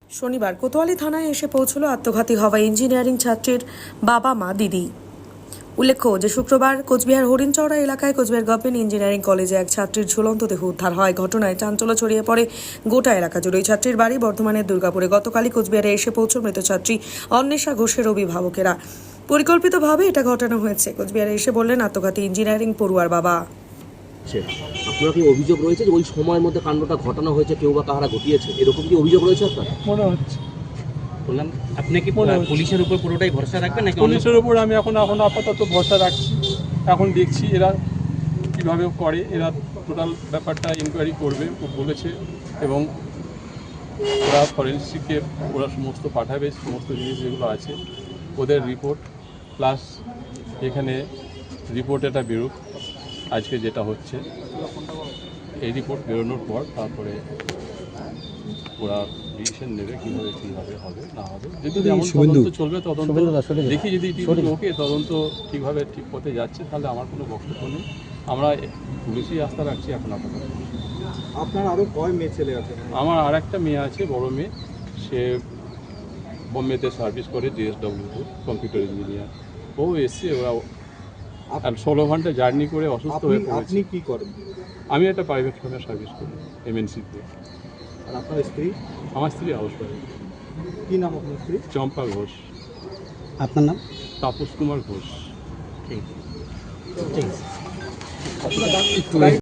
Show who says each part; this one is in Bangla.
Speaker 1: শনিবার কোতোয়ালি থানায় এসে পৌঁছল আত্মঘাতী হওয়া ইঞ্জিনিয়ারিং ছাত্রীর বাবা মা দিদি। উল্লেখ্য যে শুক্রবার কোচবিহার হরিণচৌড়া এলাকায় কোচবিহার গভর্নমেন্ট ইঞ্জিনিয়ারিং কলেজে এক ছাত্রীর ঝুলন্ত দেহ উদ্ধার হয়। ঘটনায় চাঞ্চল্য ছড়িয়ে পড়ে গোটা এলাকা জুড়ে। ছাত্রীর বাড়ি বর্ধমানের দুর্গাপুরে। গতকালই কোচবিহারে এসে পৌঁছল মৃত ছাত্রী অন্বেষা ঘোষের অভিভাবকেরা। পরিকল্পিতভাবে এটা ঘটানো হয়েছে। কোচবিহারে এসে বললেন আত্মঘাতী ইঞ্জিনিয়ারিং পড়ুয়ার বাবা।
Speaker 2: আপনার কি অভিযোগ রয়েছে যে ওই সময়ের মধ্যে কাণ্ডটা ঘটানো হয়েছে, কেউ বা কাহারা ঘটিয়েছে, এরকম কি অভিযোগ রয়েছে আপনার?
Speaker 3: মনে হচ্ছে।
Speaker 4: বললাম আপনি কি পুলিশের উপর পুরোটাই ভরসা রাখবেন নাকি?
Speaker 3: পুলিশের উপর আমি এখন আপাতত ভরসা রাখছি। এখন দেখছি এরা কীভাবে করে, এরা টোটাল ব্যাপারটা ইনকোয়ারি করবে বলেছে এবং ওরা ফরেন্সিকে ওরা সমস্ত পাঠাবে, সমস্ত জিনিস যেগুলো আছে ওদের রিপোর্ট প্লাস এখানে রিপোর্ট এটা বেরোক আজকে যেটা হচ্ছে, এই রিপোর্ট বেরোনোর পর তারপরে ওরা ডিসিশন নেবে কীভাবে হবে না হবে। যদি যেমন তদন্ত চলবে তদন্ত দেখি, যদি ওকে তদন্ত ঠিকভাবে ঠিক পথে যাচ্ছে তাহলে আমার কোনো বক্তব্য নেই। আমরা পুলিশই আস্থা রাখছি এখন আপাতত।
Speaker 5: আপনার আরও কয় মেয়ে ছেলে আছে?
Speaker 3: আমার আর একটা মেয়ে আছে, বড় মেয়ে, সে বোম্বেতে সার্ভিস করে DSWতে কম্পিউটার ইঞ্জিনিয়ার। ও এসছে, ওরা 16 ঘন্টা জার্নি করে অসুস্থ হয়ে পড়েছে।
Speaker 5: আপনি কি করেন?
Speaker 3: আমি একটা প্রাইভেট ফার্মে সার্ভিস করি MNCতে।
Speaker 5: আর আপনার স্ত্রী?
Speaker 3: আমার স্ত্রী হাউস ওয়াইফ।
Speaker 5: কী নাম আপনার স্ত্রী?
Speaker 3: চম্পা ঘোষ।
Speaker 4: আপনার নাম?
Speaker 3: তাপস কুমার ঘোষ।
Speaker 4: ঠিক আছে।